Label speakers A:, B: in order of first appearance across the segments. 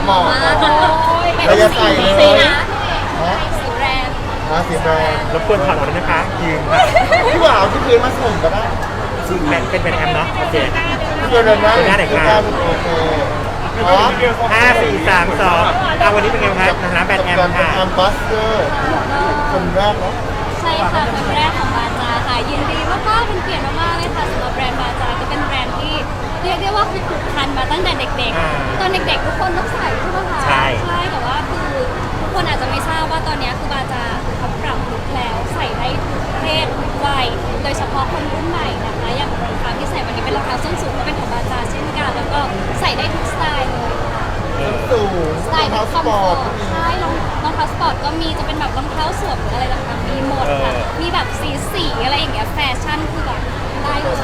A: เหมาะ
B: มาก
A: เราจะใส่เลย
B: สีนะ
A: ฮะ
B: สีแรง
A: สีแดง
C: รบกวนถอดออกด้วยนะคะยืนค่ะ
A: พี่บ่าวที่พื้นมาส่งก็ได้
C: เป็นแอมเนาะโอเค
A: เดี๋ยวนะ
C: เดี๋ยวนะเด็กมา
A: โอเคอ๋อ
C: 5 4 3 2วันนี้เป็นไงครับในฐานะแบรนด์แอมค่ะ
A: แอมบัสเตอร์คนแรกเนาะ
B: ใช่ค่ะคนแรกของบาจาค่ะยินดีมากๆเป็นเกียรติมากๆเลยค่ะสำหรับแบรนด์บาจาก็เป็นแบรนด์ที่เรียกได้ว่าคือผูกพันมาตั้งแต่เด็ก
C: อ่า
B: ๆ ตอนเด็กๆทุกคนต้องใส่ใช่ไหมคะ
C: ใช่
B: แต่ว่าคือทุกคนอาจจะไม่ทราบว่าตอนนี้คือบาจาเขาปรับลุคแล้วใส่ได้ทุกเพศทุกวัยโดยเฉพาะคนรุ่นใหม่นะคะอย่างรองเท้าที่ใส่วันนี้เป็นรองเท้าส้นสูงก็เป็นของบาจาเช่นกันแล้วก็ใส่ได้ทุกสไตล์เลยค่ะ
A: สูง
B: สไตล์
A: เท้า
B: แบบ
A: ส
B: คอม
A: ป
B: ฟ
A: อ
B: อ
A: ร์
B: ร์
A: ต
B: ตใช่รองเท้าสปอร์ตก็มีจะเป็นแบบรองเท้าสวมหรืออะไรต่างๆมีหมดค่ะ มีแบบสีอะไรอย่างเงี้ยแฟชั่นคือแบบได้เลย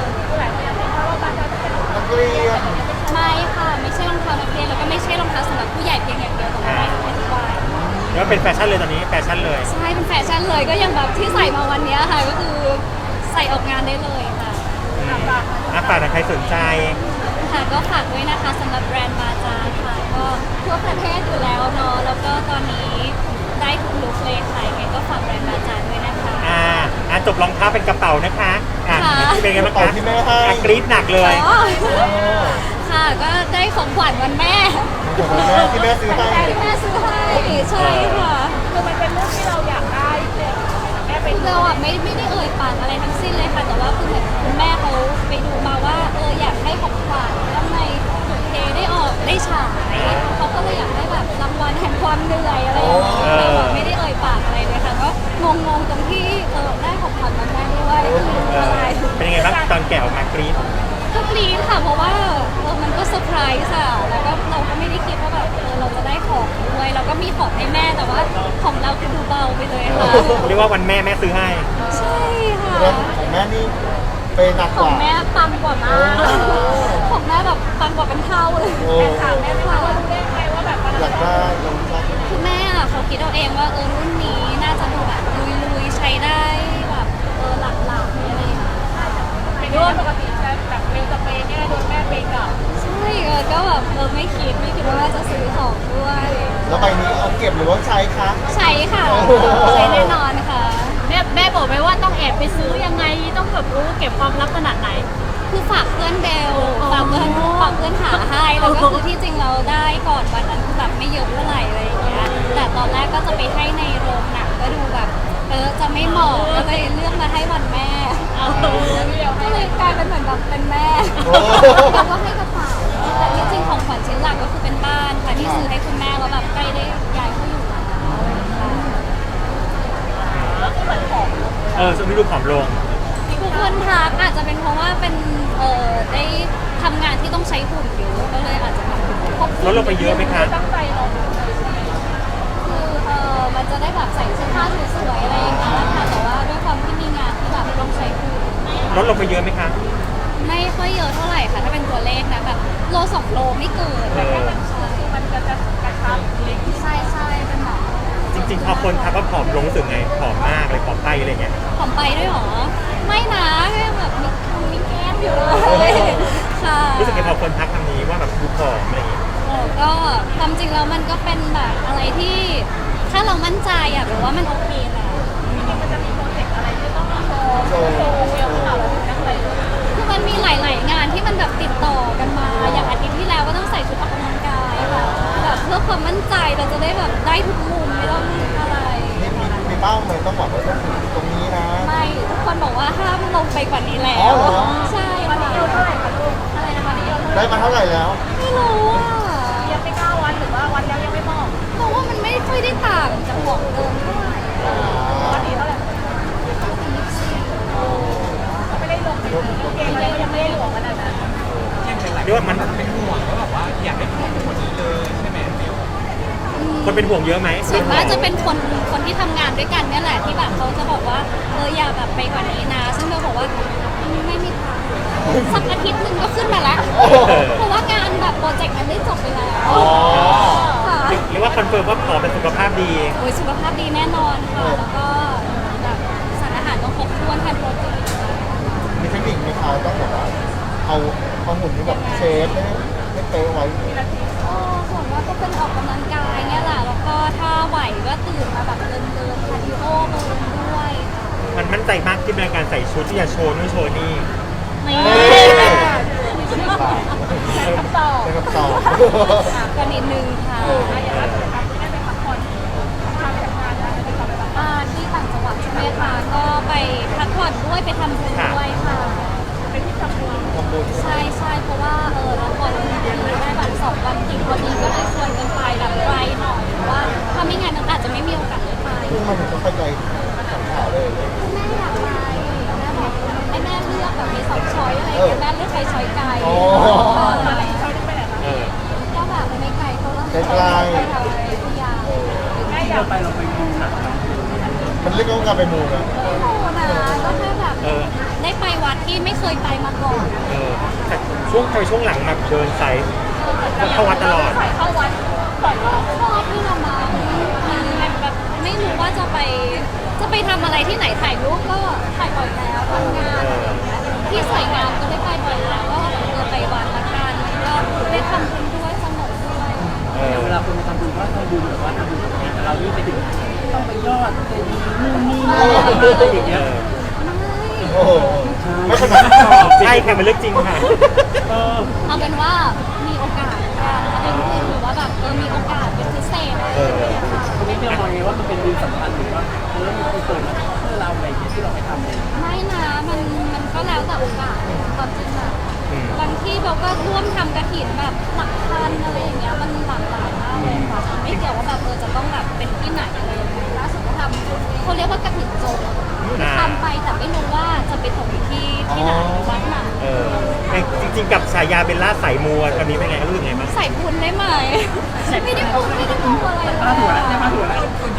A: นักเรียน
B: ไม่ค่ะไม่ใช่รองเท้านักเรียนแล้วก็ไม่ใช่รองเท้าสำหรับผู้ใหญ่เพียงอย่างเดียวแต่ว่าได้ทุกเพศทุกวัย
C: แล้วเป็นแฟชั่นเลยตอนนี้แฟชั่นเลย
B: ใช่เป็นแฟชั่นเลยก็อย่างแบบที่ใส่มาวันเนี้ยค่ะก็คือใส่ออกงานได้เลยค่ะ
C: ฝากนะใครสนใจ
B: ค่ะก็ฝากด้วยนะคะสำหรับแบรนด์บาจาค่ะก็ทั่วประเทศอยู่แล้วเนาะแล้วก็ตอนนี้ได้ทุกลุคเลยค่ะยังไงก็ฝากแบรนด์บาจาด้วยนะคะ
C: จบรองเท้าเป็นกระเป๋านะคะเป็นไงบ้าง
A: ต่อ
C: คะ
A: ที่แม่ให้
C: กรี๊ดหนักเลย
B: อ๋อค่ะก็ได้ของขวัญวันแม่
A: ที่แม่ซื้อให้
B: ที่แม่ซื้อให้ใช่ค่ะคือมันเป็นเรื่องที่เราอยากได้เลยแม่ไปเราอ่ะไม่ได้เอ่ยปากอะไรทั้งสิ้นเลยค่ะแต่ว่าคือเหมือนคุณแม่เขาไปดูมาว่าอยากให้ของขวัญแล้วในบุพเพได้ออกได้ฉายเขาก็เลยอยากให้แบบรางวัลแห่งความเหนื่อยอะไรอย่างเงี้ยแต่แบบไม่ได้เอ่ยปากอะไรเลยค่ะก็งงๆตรงที่ได้ของขวัญวันแม่ด้วยอะไร
C: เป็นยังไงบ้างตอนแกะออกมากรี๊ด
B: ก็กรี๊ดค่ะเพราะว่ามันก็เซอร์ไพรส์อะแล้วก็เราก็ไม่ได้คิดว่าแบบเราจะได้ของด้วยเราก็มีของให้แม่แต่ว่าของเราคือดูเบาไปเลยค่ะ
C: เรียกว่าวันแม่ซื้อให้
B: ใช่ค่ะ
A: แล้วของแม่นี่เป็นหนัก
B: ข
A: ก
B: อง
A: ว่า
B: แม่ปังกว่ามากของแม่แบบปังกว่าเป็นเท่าเลย
A: โอ้
B: ถามแม่ไหมคะว่ารู้ได้ไงว่าแบบ
A: อยากได้ลองชัก
B: คือแม่อะเขาคิดเอาเองว่ารุ่นนี้น่าจะดูแบบลุยๆใช้ได้แบบหลักๆอะไรอย่างเงี้ย
D: ด้วยปกติจะแบบเป็นสเปรย์เนี่ยโดนแม่เปย์กลับ
B: ใช่ก็แบบไม่คิดว่าจะซื้อของด้วย
A: แล้วใบนี้เอาเก็บหรือว่าใช้คะ
B: ใช้ค่ะใช้แน่นอนค่ะ
D: แม่บอกไหมว่าต้องแอบไปซื้อยังไงต้องแบบรู้เก็บความลับขนาดไหน
B: คือฝากเพื่อนเบลฝากเพื่อนหาให้แล้วก็คือที่จริงเราได้ก่อนวันนั้นคือแบบไม่เยอะเท่าไหร่อะไรอย่างเงี้ยแต่ตอนแรกก็จะไปให้ในโรงหนังก็ดูแบบจะไม่เหมาะก็เลยเลือกมาให้วันแม่ก็เลยกลายเป็นเหมือนแบบเป็นแม่แล้วก็ให้กระเป๋าแต่ที่จริงของขวัญชิ้นหลักก็คือเป็นบ้านค่ะที่ซื้อให้คุณแม่แล้วแบบใกล้ได้ย้ายเข้าอยู่แล้วค่ะ
C: ช่วงนี้ดูผอมลง
B: ทุกคนทักอาจจะเป็นเพราะว่าเป็นได้ทำงานที่ต้องใช้หุ่นเยอะก็เลยอาจจะแบบควบคุม
C: ลดลงไปเยอะไหมคะ
D: ตั้งใจลองดู
B: คือมันจะได้แบบใส่เสื้อผ้าสวยๆอะไรอย่างเงี้ยค่ะแต่ว่าด้วยความที่มีงานที่แบบต้องใช้หุ่น
C: ลดลงไปเยอะไหมคะ
B: ไม่ค่อยเยอะเท่าไหร่ค่ะถ้าเป็นตัวเลขนะแบบโล2 โลไม่เกิน
D: คือมันจะกระชับเล็ก
B: ใช่เป็นแบบ
C: จริงๆพอคนทักว่าผอมลงรู้สึกไงผอมมากเลยผอมไปอะไรเงี้ย
B: ผอมไปด้วยเหรอไม่นะแค่แบบมีแก้มอยู่เลยค่ะ
C: รู้สึกไงพอคนทักคำนี้ว่าแบบดูผอมอะไรเงี้ย
B: ก็ความจริงแล้วมันก็เป็นแบบอะไรที่ถ้าเรามั่นใจอะหรือว่ามันโอเคแหละ
D: มันจะมีโปรเจกต์อะไรที่ต้องโชว์เวลข่าวเราถึงตั้งใจเลย
B: คือมันมีหลาย ๆ งานที่มันแบบติดต่อกันมา อย่างอาทิตย์ที่แล้วก็ต้องใส่ชุดออกกำลังกายค่ะแบบเพื่อความมั่นใจเราจะได้แบบได้ทุกมุมไม่ต้องอะไร
A: นี่มีเป้าไหมต้องบอกว่าต้องถึงตรงนี้นะ
B: ไม่ทุกคนบอกว่าห้ามลงไปกว่านี้แล้
A: อ๋อ
B: ว
A: เหรอ
B: ใช่
D: วันนี้
B: ค่ะ
D: เราเท่าไหร่คะลูก
B: อะไรนะคะ
A: ได้มาเท่าไหร่แล้ว
B: ไม่รู้อ่ะ
D: ยังไม่9 วันหรือว่าวันแล้วยังไม่บอก
B: เพราะว่ามันไม่ค่อยได้ต่างจากของเดิมเท่าไหร่
D: วันนี้เท่าไหร่เขาไม่ได้ลงไปเกมอะไรก็ยังไม่ได้หลวมขนาดนั้น
C: เรียกว่ามันเป็นห่วงคนเป็นห่วงเยอะไหม
B: ส่วนมากจะเป็นคนที่ทำงานด้วยกันเนี่ยแหละที่แบบเขาจะบอกว่าอย่าแบบไปกว่านี้นะ ซึ่งเราบอกว่าไม่มีทางสักอาทิตย์หนึ่งก็ขึ้นมาแล้ว เพราะว่างานแบบโปรเจกต์มันได้จบไปแล้วค่ะ
C: หรือว่าคอนเฟิร์มว่าผอมเป็นสุขภาพดี
B: โอ้ยสุขภาพดีแน่นอนค่ะ แล้วก็แบบสารอาหารต้องครบถ้วนทานโปรตีน
A: มีเทคนิคมีเขาต้องแบบว่าเอาหุ่นที่แบบเชฟให้เป๊ะไว้
B: ส่วนมากก็เป็นออกก
C: มั่นใจมากขึ้นในการใส่ชุดที่จะโชว์นู่นโชว์นี่
B: ไม่
A: ใช้คำตอบ
B: ก็นิดนึงค่ะ
D: อย่างล่าสุดครับที่ได้ไปพักผ่อนทำไปทำงานแล้วไปทำอะไรบ้าง
B: ที่ต่างจังหวัดใช่ไหมคะก็ไปพักผ่อนด้วยไปทำบุญด้วยค่ะ
D: เป็นที่ทำบุญ
A: ทำบุญ
B: ใช่เพราะว่าเราพอเรามีได้แบบ2 วันติดพอดีก็เลยชวนกันไปแบบไกลหน่อยเพราะว่าถ้าไม่งั้นอาจจะไม่มีโอกาสได้ไป
A: ซึ่งมันถึงต้องเข้าใจสำคัญเลย
B: แม่อยากไปแม่บอกให้แม่เลือกแบบมี2 ช้อยอะไรอย่างเงี้ยแม่เลือกไปช้อยไกล
D: อะไรเขาได้ไปไหนบ้าง
C: เออ
B: ก็แบบไม่ไกลเท่าไหร่
A: ไกล
B: ไปทางวิทยา
D: แม่อยากไปเราไปดูหนัง
A: มันเรียกว่าการไปมูนะ
B: ไม่โหนะก็แค่แบบ
C: เออ
B: ได้ไปวัดที่ไม่เคยไปมาก่อน
C: เออแต่ช่วงหลังแบบเดินสายเข้าวัดตลอด
D: ใส่เข้าวัดก่อนรอบ
B: ชอบที่ละมาแบบไม่รู้ว่าจะไปทำอะไรที่ไหนถ่ายรูปก็ถ่ายบ่อยแล้วทำงานอะไรอย่างเงี้ยที่สวยงามก็ได้ไปบ่อยแล้วก็ไปวัดละกันก็ได้ทำบุญด้วยสนุกด้วย
C: เออ
E: เวลาคนมาทำบุญก็ทำบุญแบบว่าทำบุญกับแต่เรานี่ไปถึงต้องไปยอดเป็นนู่นนี่อะไรอย่าง
C: เอ
E: เงี้ย
C: อ
A: โอ้โหไม่ขนาด
C: ใช่ค่ะมันเรื่องจริงค่ะ
B: เอาเป็นว่ามีโอกาสกันเอาเป็นเพื่อนหรือว่าแบบมีโอกาสเป็นพิเศษอะไรอย่างเงี้ยค่ะ
E: ตรงนี้เบลมองไงว่ามันเป็นบุญสำคัญหรือว่ามีคนเปิดมาเพื่อเราอะไรอย่างเงี้ยที่เราไปทำเลย
B: ไม่นะมันก็แล้วแต่โอกาสความจริงอะ
C: อืม
B: บางที่เราก็ร่วมทำกระถิ่นแบบหลักพันอะไรอย่างเงี้ยมันหลากหลายมากเลยค่ะไม่เกี่ยวว่าแบบจะต้องแบบเป็นที่ไหนอะไรอย่างเงี้ยล่าสุดก็ทำเขาเรียกว่ากระถิ่นโจรทำไปแต่ไม่รู้ว่าจะไปตกที่ไหนวัดไหน
C: เออแต่จริงๆกับฉายาเบลล่าสายมัวตอนนี้เป็นไงรู้สึกไงบ้าง
B: ใส่บุญได้ไหมไม่ได้พูดอะไรเลย
E: มาถั่วแล้วเนี่ยมาถั่วแล้ว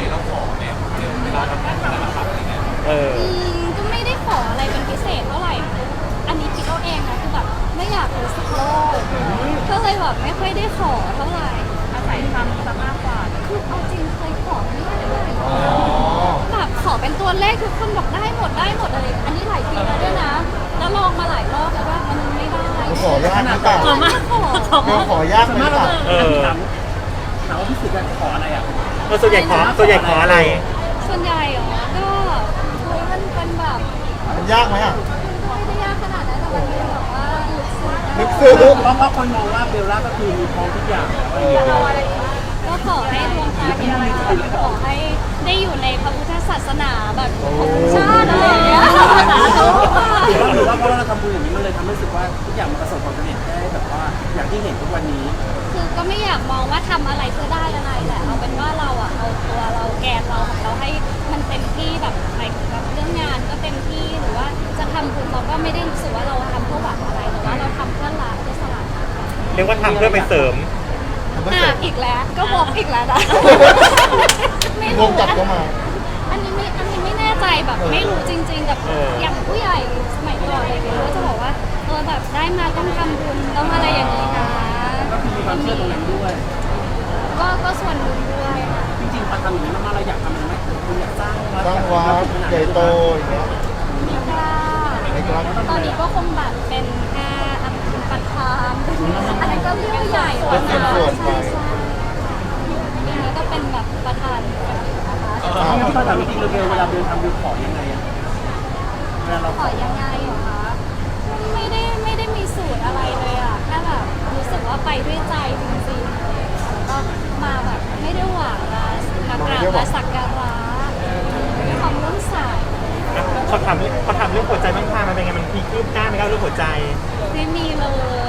C: เออ
B: ก็ไม่ได้ขออะไรเป็นพิเศษเท่าไหร่ อันนี้คิดเอาเองนะคือแบบไม่อยากรู้สึกโลภก็เลยแบบไม่ค่อยได้ขอเท่าไหร่
D: อาศัยทำซะมากกว่า
B: คือเอาจริงเคยขอไม่ได้เลย
A: อ๋อ
B: แบบขอเป็นตัวเลขทุกคนบอกได้หมดอะไรอันนี้หลายปีแล้วด้วยนะ แล้วลองมาหลายรอบแล้วว่ามันไม่ได้
A: ขอยากหรือเปล่า
B: ขอมากขอ
A: เบลขอยากไหม
E: มาก
A: เปล่า
E: ถามว่าพี่สึกจะขออะไรอ่ะ
C: ส่วนใหญ่ขออะไร
B: ส่วนใหญ่เหรอก็คุยมันเป็นแบบ
A: มันยากไหมอ่ะ
B: มันก็ไม่ได้ยากขนาดนั้นแต่มันเป็นแบบว่าลึกซึ้ง
A: ลึกซึ้ง
E: เพราะคนมองว่าเบลล่าก็คือมีพร้อมทุกอย่างแล้ว
B: ก็ขอให้ดวงตาเห็นธรรมขอให้ได้อยู่ในพระพุทธศาสนาแบบของชาติอะไรอย่างเงี้ยสาธุค่ะ
E: หรือว่าเพราะเราทำบุญอย่างนี้มันเลยทำให้รู้สึกว่าทุกอย่างมันประสบความสำเร็จได้แบบว่าอย่างที่เห็นทุกวันนี้
B: คือก็ไม่อยากมองว่าทำอะไรเพื่อได้อะไรแหละเอาเป็นว่าเราอะเอาตัวเราแกนเราของเราให้มันเต็มที่แบบหมายถึงแบบเรื่องงานก็เต็มที่หรือว่าจะทำบุญเราก็ไม่ได้รู้สึกว่าเราทำเพื่อหวังอะไรแต่ว่าเราทำเพื่อละเพื่อสละ
C: เรียกว่าทำเพื่อไปเสริม
B: อีกแล้วก็บอกอีกแล้วนะ
A: วงกลับเข้ามา
B: อันนี้ไม่แน่ใจแบบไม่รู้จริง ๆ กับ
C: เออ
B: อ
C: อ
B: ย่างผู้ใหญ่สมัยก่อนอะไรอย่างเงี้ยก็จะบอกว่าแบบได้มาต้องทำบุญต้องอะไรอย่างนี้นะ
E: ก็คือมีความเชื่อตรงนั้นด้วย
B: ก็ส่วนหนึ่งด้วยค่ะ
E: จริงๆพอทำอย่างนี้มากๆเราอยากทำอะไรไหมคุณอยากสร้างวัด
A: สร้างวัดใหญ่โตอย่างเงี้ย
B: ไม่กล้า
A: ไม่กล้า
B: ตอนนี้ก็คงแบบเป็นแค่ประธานอันนั้นก็เรื่องใหญ่แล้วนะใช่ปีนี้ก็เป็นแบบประธานนะคะ
E: งั้นตอนถามจริงๆเบลเวลาเดินทำเบลขอยังไงอะเวลาเรา
B: ขอยังไงเหรอคะไม่ได้มีสูตรอะไรเลยอ่ะแค่แบบรู้สึกว่าไปด้วยใจจริงๆแล้วก็มาแบบไม่ได้หวังนะมากราบมาสักการะความเลื่อมใส
C: เขาทำเรื่องหัวใจบ้างค่ะมันเป็นไงมันมีคืบหน้าไหมครับเรื่องหัวใจ
B: ไม่มีเลย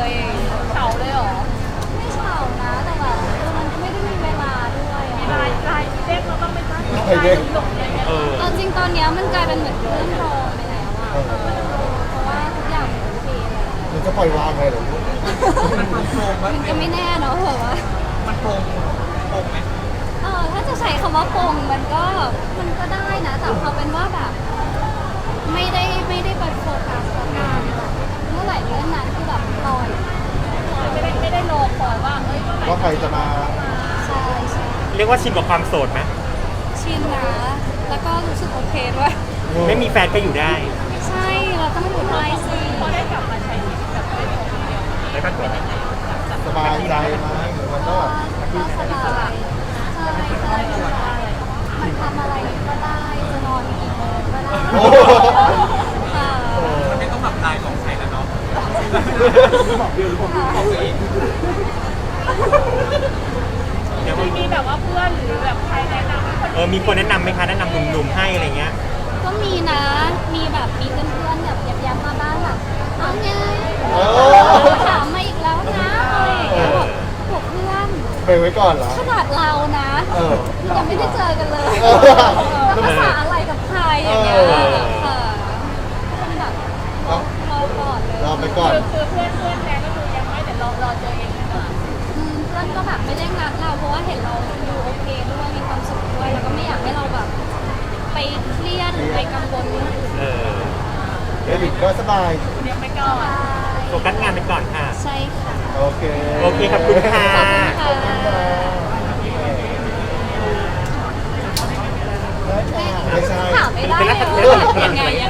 D: เฉาเลยเหรอ
B: ไม่เฉานะแต่แบบมันก็ไม่ได้มีเวลาด้วยอะ
D: ลายเด็กเราต้องไปตั้งลายหลงอะไรเงี้ย
C: เออ
B: ตอนจริงตอนเนี้ยมันกลายเป็นเหมือนเรื่องรองไปแล้วอะเพราะว่าทุกอย่างมันโอเคเลย
A: มันจะปล่อยวางเลยเหรอ
B: มันก็ไม่แน่เนาะแบบว่า
A: มันโปร่งไหม
B: ถ้าจะใช้คำว่าปงมันก็ได้นะแต่พอเป็นว่าแบบ ไม่ได้ไปโฟกัสกับการแบบเมื่อไหร่เรื่องนั้นคือแบบปล่อย
D: ไม่ได้รอคอยว่าเอ้ยเมื่อไหร่
A: ว่าใครจะมา
B: ใช่ใช่
C: เรียกว่าชินกับความโสดไหม
B: ชินนะแล้วก็รู้สึกโอเคด้วย
C: ไม่มีแฟนก็อยู่ได้
B: ใช่เราต้องอยู่ไทยสิ
D: พอได้กลับมาใช้ชีวิตแบบไม่ตรงเดียว
C: ได้ปะตัว
A: สบายใจไหมหรือมันก็แบบ
B: ก็สบายใช่มันทำอะไรก็ได้จะนอนกี่โมงก็ได้
A: โอ้โห
E: บอกเบลหรือบอกตัวเอง
C: เดี๋ยว
D: มีแบบว่าเพื่อนหรือแบบใครแนะนำให้คน
C: มีคนแนะนำไหมคะแนะนำหนุ่มๆให้อะไรเงี้ย
B: ก็มีนะ มีแบบมีเพื่อนๆแบบย้ำๆมาบ้างแบบเอาไงถามมาอีกแล้วนะอะไรอย่างเงี้ยบอกเพื่อน
A: ไปไว้ก่อนเหรอ
B: ขนาดเรานะ
A: เออ
B: ยังไม่ได้เจอกันเลย
A: เออ
B: แล้วภาษาอะไรกับใครอย่างเงี้ย
A: เออ
B: ค่ะเป็นแบบรอก่อนเลย
A: รอไปก่อน
D: คือเพื่อนแนะก็คือยังไม่แต่รอเจอเองดีกว่า
B: เพื่อนก็แบบไม่เร่งรัดเราเพราะว่าเห็นเราดูโอเคด้วยมีความสุขด้วยแล้วก็ไม่อยากให้เราแบบ ไปเครียดหรือไปกังวลเรื่องอื่น
C: เออ
A: เดวิดก็สบาย
D: เรียกไปก่อน
C: โฟกัสงานไปก่อนค่ะ
B: ใช่ค่ะ
A: โอเค
C: โอเคขอบคุณค่ะ
B: ขอบคุณค่ะ
A: ไม่ใช่
B: ถามไม่ได้เลยว่ายังไง